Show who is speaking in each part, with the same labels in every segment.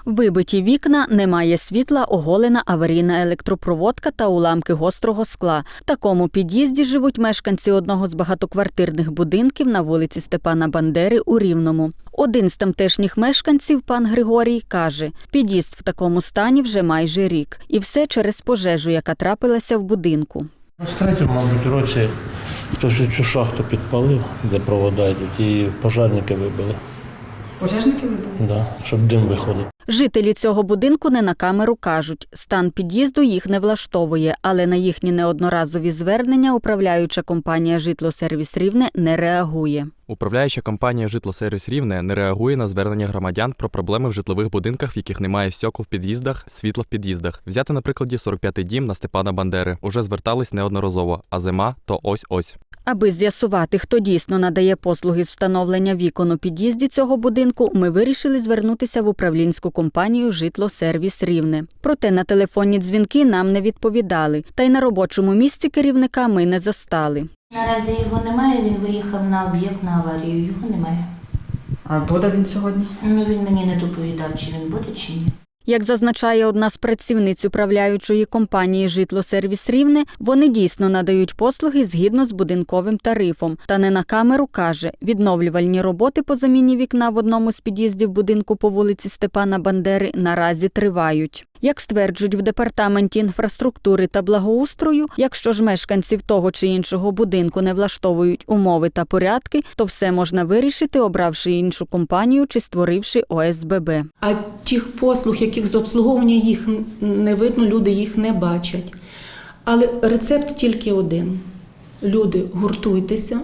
Speaker 1: Вибиті вікна, немає світла, оголена аварійна електропроводка та уламки гострого скла. В такому під'їзді живуть мешканці одного з багатоквартирних будинків на вулиці Степана Бандери у Рівному. Один з тамтешніх мешканців, пан Григорій, каже, під'їзд в такому стані вже майже рік. І все через пожежу, яка трапилася в будинку.
Speaker 2: В третьому, мабуть, році хтось цю шахту підпалив, де провода йдуть, і пожежники вибили.
Speaker 3: Пожежники вибили?
Speaker 2: Да, щоб дим виходив.
Speaker 1: Жителі цього будинку не на камеру кажуть, стан під'їзду їх не влаштовує, але на їхні неодноразові звернення управляюча компанія «Житлосервіс Рівне» не реагує.
Speaker 4: Управляюча компанія «Житлосервіс Рівне» не реагує на звернення громадян про проблеми в житлових будинках, в яких немає стекол в під'їздах, світла в під'їздах. Взяти, на прикладі, 45-й дім на Степана Бандери. Уже звертались неодноразово, а зима – то ось-ось.
Speaker 1: Аби з'ясувати, хто дійсно надає послуги з встановлення вікон у під'їзді цього будинку, ми вирішили звернутися в управлінську компанію «Житлосервіс Рівне». Проте на телефонні дзвінки нам не відповідали, та й на робочому місці керівника ми не застали.
Speaker 5: Наразі його немає, він виїхав на об'єкт на аварію, його немає.
Speaker 3: А буде він сьогодні?
Speaker 5: Він мені не доповідав, чи він буде, чи ні.
Speaker 1: Як зазначає одна з працівниць управляючої компанії «Житлосервіс Рівне», вони дійсно надають послуги згідно з будинковим тарифом. Та не на камеру каже, відновлювальні роботи по заміні вікна в одному з під'їздів будинку по вулиці Степана Бандери наразі тривають. Як стверджують в Департаменті інфраструктури та благоустрою, якщо ж мешканців того чи іншого будинку не влаштовують умови та порядки, то все можна вирішити, обравши іншу компанію чи створивши ОСББ.
Speaker 6: А тих послуг, яких з обслуговування їх не видно, люди їх не бачать. Але рецепт тільки один. Люди, гуртуйтеся,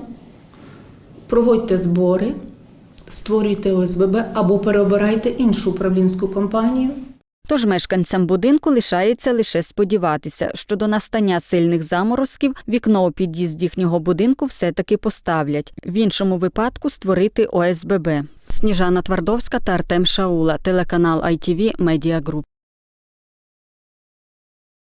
Speaker 6: проводьте збори, створюйте ОСББ або переобирайте іншу управлінську компанію.
Speaker 1: Тож мешканцям будинку лишається лише сподіватися, що до настання сильних заморозків вікно у під'їзд їхнього будинку все-таки поставлять. В іншому випадку створити ОСББ. Сніжана Твардовська та Артем Шаула, телеканал ITV Media Group.